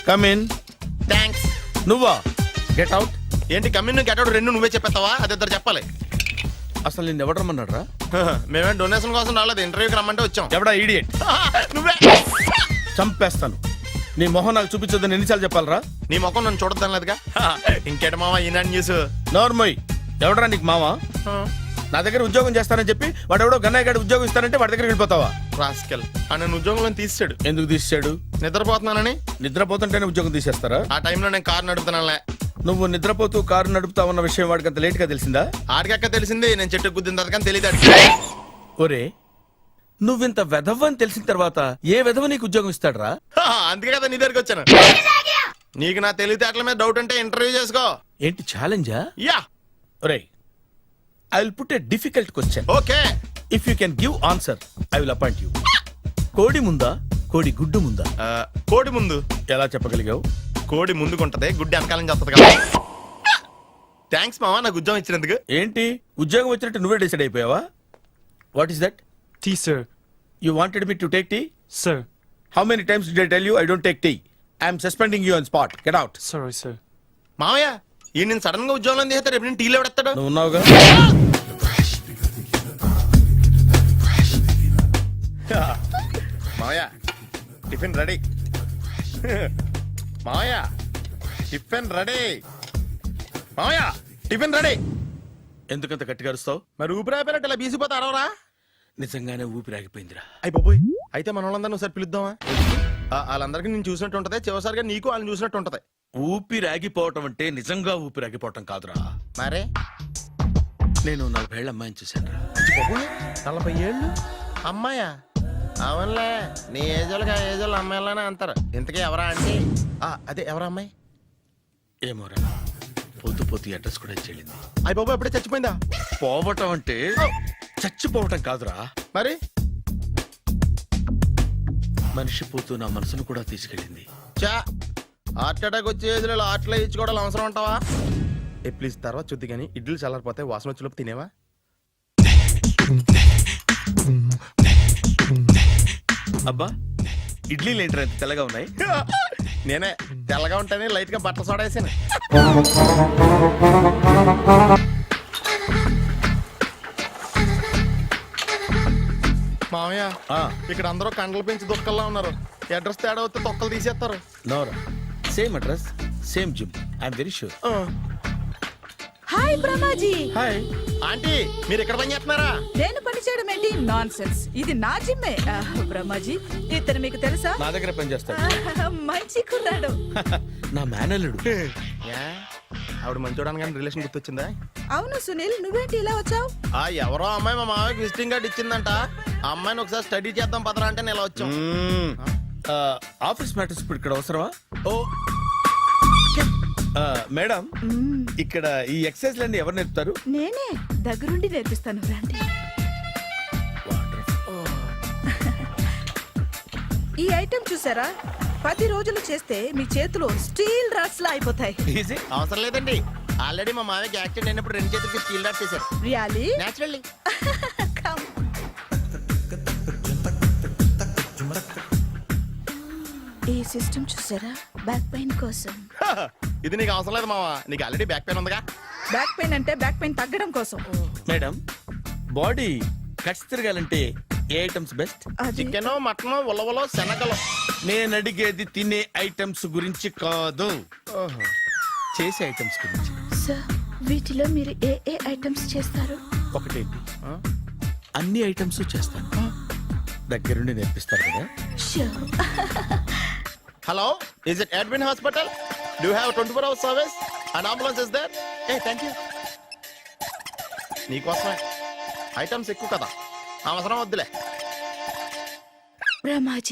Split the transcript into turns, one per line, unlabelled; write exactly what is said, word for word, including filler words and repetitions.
Come in.
Thanks.
నువ్వా? Get out.
ఏంటి come in get out రెండు నువ్వే చెప్పేస్తావా? అది ఇద్దరు చెప్పాలి.
అసలు నిన్ను ఎవడు రమ్మన్నాడు రా?
మేమే డొనేషన్ కోసం రాలేదు, ఇంటర్వ్యూకి రమ్మంటే వచ్చాం.
ఎవడా ఈడియట్?
నువ్వే.
చంపేస్తాను. నీ మొహం నాకు చూపించొద్దని ఎన్నిసార్లు చెప్పాలరా?
నీ ముఖం నన్ను చూడద్దాం లేదుగా. ఇంకేట మామ ఈనాడు న్యూస్.
నోర్మోయ్, ఎవడరా నీకు మావా? నా దగ్గర ఉద్యోగం చేస్తానని చెప్పి వాడు ఎవడో గన్నయ్య గారి ఉద్యోగం ఇస్తానంటే వాడి దగ్గర వెళ్ళిపోతావా?
రాస్కెల్ ఆ నన్ను ఉద్యోగంలో తీసాడు.
ఎందుకు తీసాడు?
నిద్రపోతున్నానని.
నిద్రపోతుంటేనే ఉద్యోగం తీసేస్తారా?
ఆ టైంలో నేను కారు నడుపుతున్నానులే.
నువ్వు నిద్రపోతూ కారు నడుపుతావన్న విషయం వాడికి అంత లేట్ గా తెలిసిందా?
ఆడికక్క తెలిసింది, నేను చెట్టు గుద్దిన తర్వాత కానీ తెలియదు.
ఒరే, నువ్వింత వెధవ అని తెలిసిన తర్వాత ఏ వెధవ నీకు ఉద్యోగం ఇస్తాడరా?
అందుకే కదా నీ దగ్గరికి వచ్చాను. నీకు నా తెలివితేటల మీద డౌట్ అంటే ఇంటర్వ్యూ చేసుకో.
ఏంటి ఛాలెంజా?
యా.
ఒరే, I will put a difficult question.
Okay.
If you can give answer I will appoint you. కోడి ముందా, కోడి గుడ్డు ముందా?
కోడి ముందు.
ఎలా చెప్పగలిగావు?
కోడి ముందుకుంటది, గుడ్డి వెనకాలం చేస్తుంది కదా. థ్యాంక్స్ మామా నాకు ఉద్యోగం ఇచ్చినందుకు.
ఏంటి ఉద్యోగం వచ్చినట్టు నువ్వే డిసైడ్ అయిపోయావా? What is that?
Tea, sir.
You wanted me to take tea?
Sir.
How many times did I tell you I don't take tea? I am suspending you on spot. Get out.
Sorry, sir.
మామయ్య ఈ నేను sudden గా ఉద్యోగంలో తీస్తాడు. రేపు నేను టీలో పెడతాడు.
నువ్వు ఉన్నావుగా.
మామయ్య టిఫిన్ రెడీ. మామయ్య టిఫిన్ రెడీ. మామయ్య టిఫిన్ రెడీ.
ఎందుకంత గట్టిగా అరుస్తావు?
మరి ఊపిరి అయిపోయినట్టు ఇలా బీసిపోతే అరవరా?
నిజంగానే ఊపిరాగిపోయిందిరా.
అయ్యి బాబోయ్, అయితే మన వాళ్ళందరినీ ఒకసారి పిలుద్దామా? వాళ్ళందరికీ నేను చూసినట్టు ఉంటది, చివరిసారిగా నీకు వాళ్ళని చూసినట్టు ఉంటది.
ఊపిరాగిపోవటం అంటే నిజంగా ఊపిరాగిపోవటం కాదురా.
మరే
నేను నలభై ఏళ్ళ అమ్మాయిని చూశాను రా.
నలభై ఏళ్ళు అమ్మాయా? అవునులే, నీ ఏజ్ వాళ్ళకి ఆ ఏజ్ వాళ్ళు అమ్మాయిలానే అంటారు. ఇంతకీ ఎవరా అంటే? అదే ఎవరా అమ్మాయి?
ఏమోరా, పొద్దు పొద్దు అడ్రస్ కూడా చెల్లింది.
అయ్యి బాబు ఎప్పుడే చచ్చిపోయిందా?
పోవటం అంటే చచ్చిపోవటం కాదురా,
మరి
మనిషి పోతూ నా మనసును కూడా తీసుకెళ్ళింది.
చా హార్ట్ అటాక్ వచ్చే ఏజ్లో హార్ట్లో ఇచ్చుకోవడం అవసరం ఉంటావా? ఏ ప్లీజ్ తర్వాత చూద్ది కానీ ఇడ్లీ చల్లారిపోతే వాసన వచ్చేలోపు తినేవా?
అబ్బా, ఇడ్లీలు ఏంట్రా ఇంత తెల్లగా ఉన్నాయి?
నేనే తెల్లగా ఉంటానే లైట్ గా బట్టలు సోడా వేసాను. మామయ్య ఇక్కడ అందరూ కండలు పెంచి దుక్కల్లా ఉన్నారు. అడ్రస్ తేడా వస్తే తొక్కలు తీసేస్తారు.
నోరా, same address same gym. I'm very sure.
Hi Brahmaji.
Hi
aunty, మీరు ఇక్కడ పని చేస్తున్నారా?
నేను పని చేయడం ఏంటి? Nonsense. ఇది నా జిమ్మే. బ్రహ్మాజీ, ఇతను మీకు తెలుసా?
నా దగ్గర పని చేస్తాడు.
మంచి కుర్రాడు.
నా మేనల్లుడు.
ఆవిడ మంచోడానికి కానీ రిలేషన్ గుర్తొచ్చిందా?
అవును సునీల్, నువ్వేంటి ఇలా వచ్చావు?
ఆ ఎవరో అమ్మాయి మా మామయ్యకి విజిటింగ్ కార్డ్ ఇచ్చిందంట. ఆ అమ్మాయిని ఒకసారి స్టడీ చేద్దాం పదరా అంటే నేను ఇలా వచ్చాం.
ఆఫీస్ మ్యాటర్స్ ఇప్పుడు ఇక్కడ అవసరమా? ఓ మేడం, ఇక్కడ ఈ ఎక్సర్సైజ్ లన్నీ ఎవరు నేర్పుతారు?
నేనే దగ్గరుండి నేర్పిస్తాను, రండి. ఈ ఐటెం చూసారా? పది రోజులు చేస్తే మీ చేతులు స్టీల్ రాట్స్ లా అయిపోతాయి.
అవసరం లేదండి, ఆల్రెడీ మా మామయ్యకి యాక్సిడెంట్ అయినప్పుడు రెండు చేతులకి స్టీల్ రాట్స్ చేశారు.
రియల్లీ?
నేచురల్లీ.
ఈ సిస్టమ్ చూసారా? బ్యాక్ పెయిన్ కోసం.
ఇది నీకు అవసరం లేదు మావా, నీకు ఆల్రెడీ బ్యాక్ పెయిన్ ఉందిగా.
బ్యాక్ పెయిన్ అంటే బ్యాక్ పెయిన్ తగ్గడం కోసం.
మేడం, బాడీ కట్స్ తిరగాలంటే ఏ ఐటమ్స్ బెస్ట్?
చికెన్, మటన్, ఉలవలో, శనగలు.
నేను అడిగేది తినే ఐటమ్స్ గురించి కాదు, చేసే ఐటమ్స్ గురించి.
సార్, వీటిలో మీరు ఏ ఏ ఐటమ్స్ చేస్తారు?
ఒకటేంటి, అన్ని ఐటమ్స్ చేస్తాను. దగ్గరుండి నేర్పిస్తారు కదా.
Hello, is it admin hospital? Do you have twenty four hours service and ambulance is there? ఏ థ్యాంక్ యూ. నీకోసమే ఐటమ్స్ ఎక్కువ కదా, అవసరం వద్దులే.
బ్రహ్మాజీ